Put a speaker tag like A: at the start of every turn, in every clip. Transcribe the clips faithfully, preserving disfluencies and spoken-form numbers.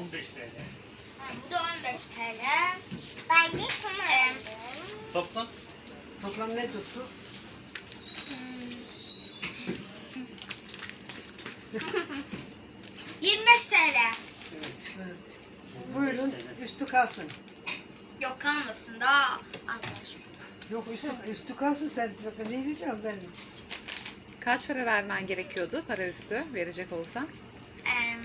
A: on beş T L.
B: Ha, bu da on beş T L. Ben de tamam.
A: Toplam
C: Toplam ne tuttu?
B: yirmi beş T L.
C: Evet. Buyurun üstü kalsın.
B: Yok kalmasın daha az var.
C: Yok üstü, üstü kalsın sen ne diyeceğim ben?
D: Kaç para vermen gerekiyordu para üstü verecek olsam?
B: Em,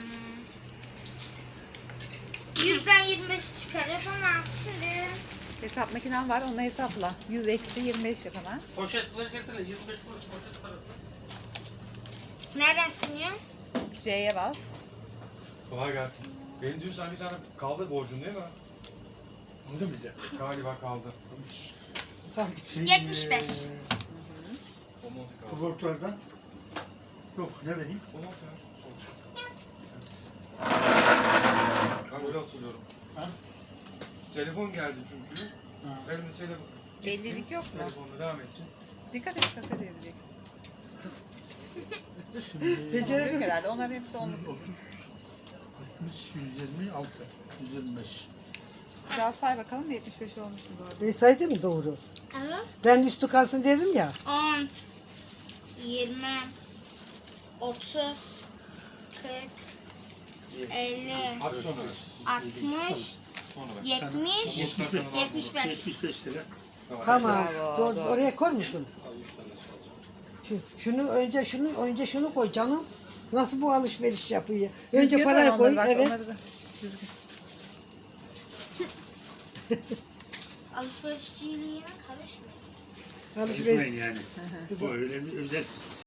B: Yüzden yirmi beş çıkarıp ama şimdi
D: Hesap makinen var onunla hesapla. yüz eksi yirmi beş yap hemen.
A: poşetleri keselim. yirmi beş kuruş poşet parası.
B: nereden siniyor?
D: C'ye bas.
E: Kolay gelsin. Benim dün sana bir tane kaldı borcun değil mi?
F: Aldı mı de?
E: Galiba kaldı.
F: Şey,
B: yetmiş beş.
F: eee,
E: O montu kaldı.
F: Kubortlardan. Yok ne vereyim?
E: O montu ya. Ben öyle hatırlıyorum.
F: Ha?
E: Telefon geldi çünkü.
F: Ha.
E: Benim de telefon.
D: Bellilik yok mu?
E: Telefonla devam edecek.
D: Dikkat et kaka edeceksin.
F: Şimdi
C: Beceri-
D: Yok herhalde onların hepsi onluk.
F: otuz, altmış, yüz yirmi altı, yüz yirmi beş.
D: Biraz say bakalım yetmiş beş olmuş mu doğru?
C: E saydı mı doğru?
B: Evet.
C: Ben üstü kalsın dedim ya.
B: on, yirmi, otuz, kırk, elli,
E: Hadi sonra ver.
B: altmış,
E: Sonra ver.
B: yetmiş,
F: yetmiş beş.
B: yetmiş beş.
F: yetmiş beş lira.
C: Tamam.
D: Bravo,
C: Doğru,
D: doğru.
C: oraya koy musun? Şu, şunu önce şunu önce şunu koy canım. Nasıl bu alışveriş yapıyor? Önce
D: Düzgün
C: parayı
D: var
C: koy.
D: onları, bak,
C: Evet.
D: onları da. Düzgün.
B: Alışverişçiliğine karışmıyor.
C: Alışveriş.
F: Karışmayın yani. Bu öyle bir özel